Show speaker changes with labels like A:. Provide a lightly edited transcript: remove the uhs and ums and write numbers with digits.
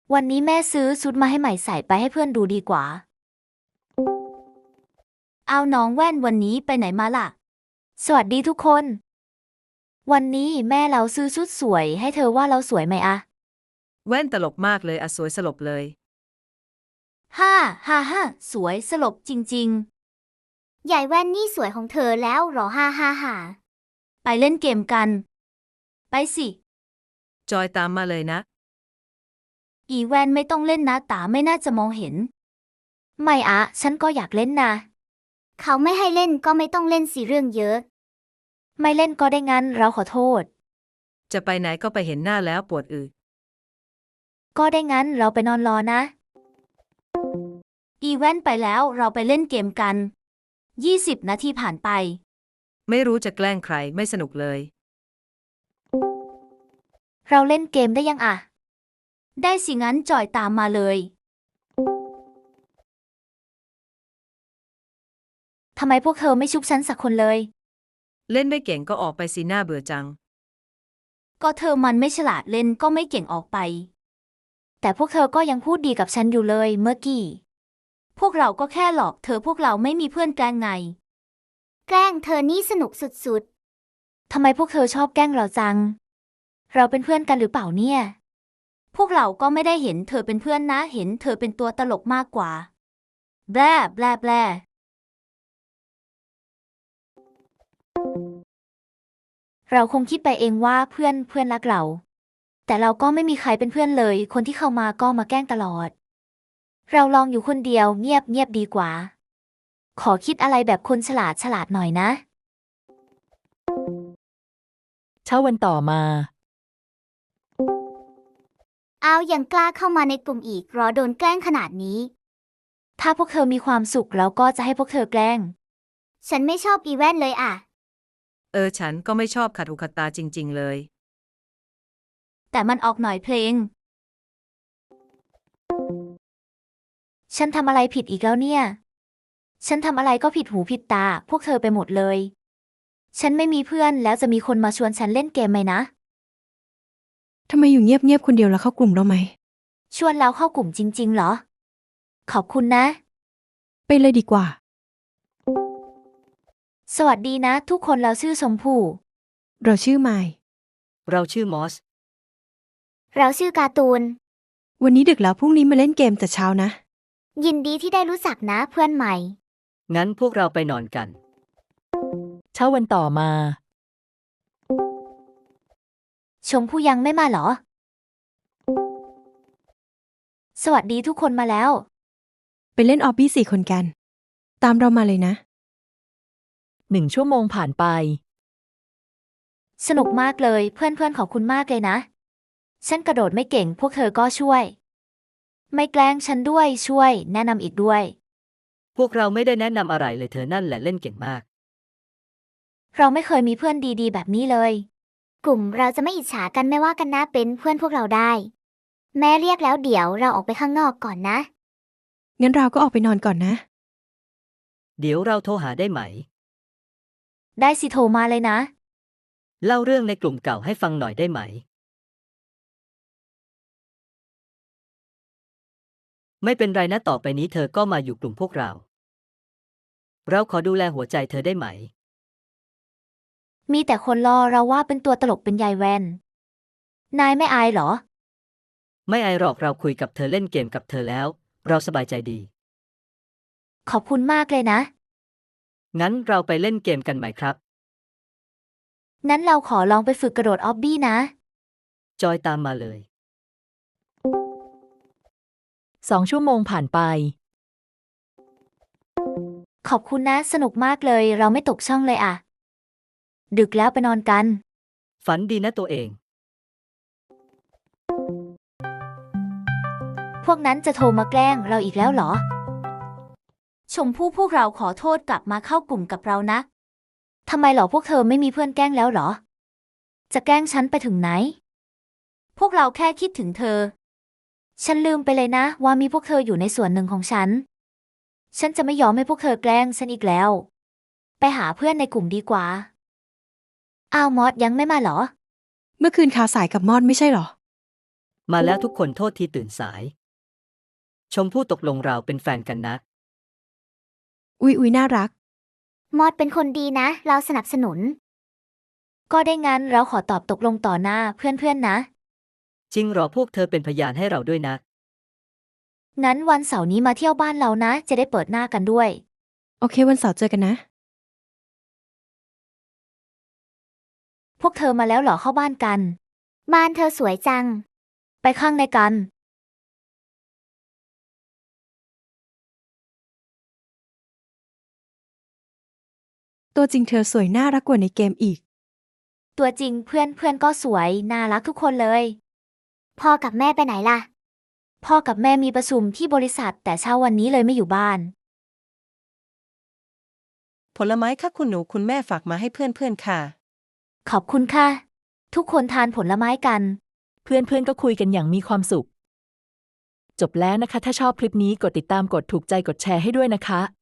A: วันนี้แม่ซื้อชุดมาให้ใหม่ใส่ไปให้เพื่อนดูดีกว่าเอาน้องแว่นวันนี้ไปไหนมาล่ะสวัสดีทุกคนวันนี้แม่เราซื้อชุดสวยให้เธอว่าเราสวยไหมอะ
B: แว่นตลกมากเลยอะสวยสลบเลย
A: ฮ่าฮ่าฮ่าสวยสลบจริง
C: ใหญ่แว่นนี่สวยของเธอแล้วหรอฮ่าฮ่าฮ่า
A: ๆไปเล่นเกมกัน ไปสิ
B: จอยตามมาเลยนะ
A: อีแวนไม่ต้องเล่นนะตาไม่น่าจะมองเห็นไม่อะฉันก็อยากเล่นนะ
C: เขาไม่ให้เล่นก็ไม่ต้องเล่นสิเรื่องเยอะ
A: ไม่เล่นก็ได้งั้นเราขอโทษ
B: จะไปไหนก็ไปเห็นหน้าแล้วปวดอึ
A: ก็ได้งั้นเราไปนอนรอนะอีแวนไปแล้วเราไปเล่นเกมกัน20 นาทีผ่านไป
B: ไม่รู้จะแกล้งใครไม่สนุกเลย
A: เราเล่นเกมได้ยังอะได้สิงั้นจอยตามมาเลยทำไมพวกเธอไม่ชุบฉันสักคนเลย
B: เล่นไม่เก่งก็ออกไปสิหน้าเบื่อจัง
A: ก็เธอมันไม่ฉลาดเล่นก็ไม่เก่งออกไปแต่พวกเธอก็ยังพูดดีกับฉันอยู่เลยเมื่อกี้พวกเราก็แค่หลอกเธอพวกเราไม่มีเพื่อนแกล้งไง
C: แกล้งเธอนี่สนุกสุด
A: ทำไมพวกเธอชอบแกล้งเราจังเราเป็นเพื่อนกันหรือเปล่าเนี่ยพวกเราก็ไม่ได้เห็นเธอเป็นเพื่อนนะเห็นเธอเป็นตัวตลกมากกว่าแบลแบลแบลเราคงคิดไปเองว่าเพื่อนรักเราแต่เราก็ไม่มีใครเป็นเพื่อนเลยคนที่เข้ามาก็มาแกล้งตลอดเราลองอยู่คนเดียวเงียบเงียบดีกว่าขอคิดอะไรแบบคนฉลาดหน่อยนะ
D: เช้าวันต่อมา
C: ๆเอายังกล้าเข้ามาในกลุ่มอีกรอโดนแกล้งขนาดนี้
A: ถ้าพวกเธอมีความสุขเราก็จะให้พวกเธอแกล้ง
C: ฉันไม่ชอบอีแว่นเลยอ่ะ
B: ฉันก็ไม่ชอบขัดหูขัดตาจริงๆเลย
A: แต่มันออกหน่อยเพลงฉันทำอะไรผิดอีกแล้วเนี่ยฉันทำอะไรก็ผิดหูผิดตาพวกเธอไปหมดเลยฉันไม่มีเพื่อนแล้วจะมีคนมาชวนฉันเล่นเกมไหมนะ
D: ทำไมอยู่เงียบๆคนเดียวแล้วเข้ากลุ่มเราไหม
A: ชวนแล้วเข้ากลุ่มจริงๆเหรอขอบคุณนะ
D: ไปเลยดีกว่า
A: สวัสดีนะทุกคนเราชื่อชมพู่
D: เราชื่อไมค์
B: เราชื่อมอส
C: เราชื่อการ์ตูน
D: วันนี้ดึกแล้วพรุ่งนี้มาเล่นเกมแต่เช้านะ
C: ยินดีที่ได้รู้จักนะเพื่อนใหม่
B: งั้นพวกเราไปนอนกัน
D: เช้าวันต่อมา
A: ชมพู่ยังไม่มาเหรอสวัสดีทุกคนมาแล้ว
D: ไปเล่นออบบี้4 คนกันตามเรามาเลยนะ1 ชั่วโมงผ่านไป
A: สนุกมากเลยเพื่อนๆขอบคุณมากเลยนะฉันกระโดดไม่เก่งพวกเธอก็ช่วยไม่แกล้งฉันด้วยช่วยแนะนำอีกด้วย
B: พวกเราไม่ได้แนะนำอะไรเลยเธอนั่นแหละเล่นเก่งมาก
A: เราไม่เคยมีเพื่อนดีๆแบบนี้เลย
C: กลุ่มเราจะไม่อิจฉากันไม่ว่ากันนะเป็นเพื่อนพวกเราได้แม่เรียกแล้วเดี๋ยวเราออกไปข้างนอกก่อนนะ
D: งั้นเราก็ออกไปนอนก่อนนะ
B: เดี๋ยวเราโทรหาได้ไหม
A: ได้สิโทรมาเลยนะ
B: เล่าเรื่องในกลุ่มเก่าให้ฟังหน่อยได้ไหมไม่เป็นไรนะต่อไปนี้เธอก็มาอยู่กลุ่มพวกเราขอดูแลหัวใจเธอได้ไหม
A: มีแต่คนรอเราว่าเป็นตัวตลกเป็นยายแวนนายไม่อายเหรอ
B: ไม่อายหรอกเราคุยกับเธอเล่นเกมกับเธอแล้วเราสบายใจดี
A: ขอบคุณมากเลยนะ
B: งั้นเราไปเล่นเกมกันไหมครับ
A: งั้นเราขอลองไปฝึกกระโดดออบบี้นะ
B: จอยตามมาเลย
D: 2 ชั่วโมงผ่านไป
A: ขอบคุณนะสนุกมากเลยเราไม่ตกช่องเลยอะดึกแล้วไปนอนกัน
B: ฝันดีนะตัวเอง
A: พวกนั้นจะโทรมาแกล้งเราอีกแล้วเหรอชมพู่พวกเราขอโทษกลับมาเข้ากลุ่มกับเรานะทำไมเหรอพวกเธอไม่มีเพื่อนแกล้งแล้วเหรอจะแกล้งฉันไปถึงไหนพวกเราแค่คิดถึงเธอฉันลืมไปเลยนะว่ามีพวกเธออยู่ในส่วนหนึ่งของฉันจะไม่ยอมให้พวกเธอแกล้งฉันอีกแล้วไปหาเพื่อนในกลุ่มดีกว่าอ้าวมอสยังไม่มาเหรอ
D: เมื่อคืนคาสายกับมอดไม่ใช่หรอ
B: มาแล้วทุกคนโทษที่ตื่นสาย ชมพู่ตกลงเราเป็นแฟนกันนะ
D: อุ๊ยน่ารัก
C: มอดเป็นคนดีนะ เราสนับสนุน
A: ก็ได้งั้นเราขอตอบตกลงต่อหน้าเพื่อนๆนะ
B: จริงเหรอพวกเธอเป็นพยานให้เราด้วยนะ
A: งั้นวันเสาร์นี้มาเที่ยวบ้านเรานะ จะได้เปิดหน้ากันด้วย
D: โอเควันเสาร์เจอกันนะ
A: พวกเธอมาแล้วเหรอเข้าบ้านกัน
C: บ้านเธอสวยจัง
A: ไปข้างในกัน
D: ตัวจริงเธอสวยน่ารักกว่าในเกมอีก
A: ตัวจริงเพื่อนก็สวยน่ารักทุกคนเลย
C: พ่อกับแม่ไปไหนล่ะ
A: พ่อกับแม่มีประชุมที่บริษัทแต่เช้าวันนี้เลยไม่อยู่บ้าน
E: ผลไม้ค่ะคุณหนูคุณแม่ฝากมาให้เพื่อนๆค่ะ
A: ขอบคุณค่ะ ทุกคนทานผลไม้กัน
F: เพื่อนๆก็คุยกันอย่างมีความสุข จบแล้วนะคะ ถ้าชอบคลิปนี้กดติดตามกดถูกใจกดแชร์ให้ด้วยนะคะ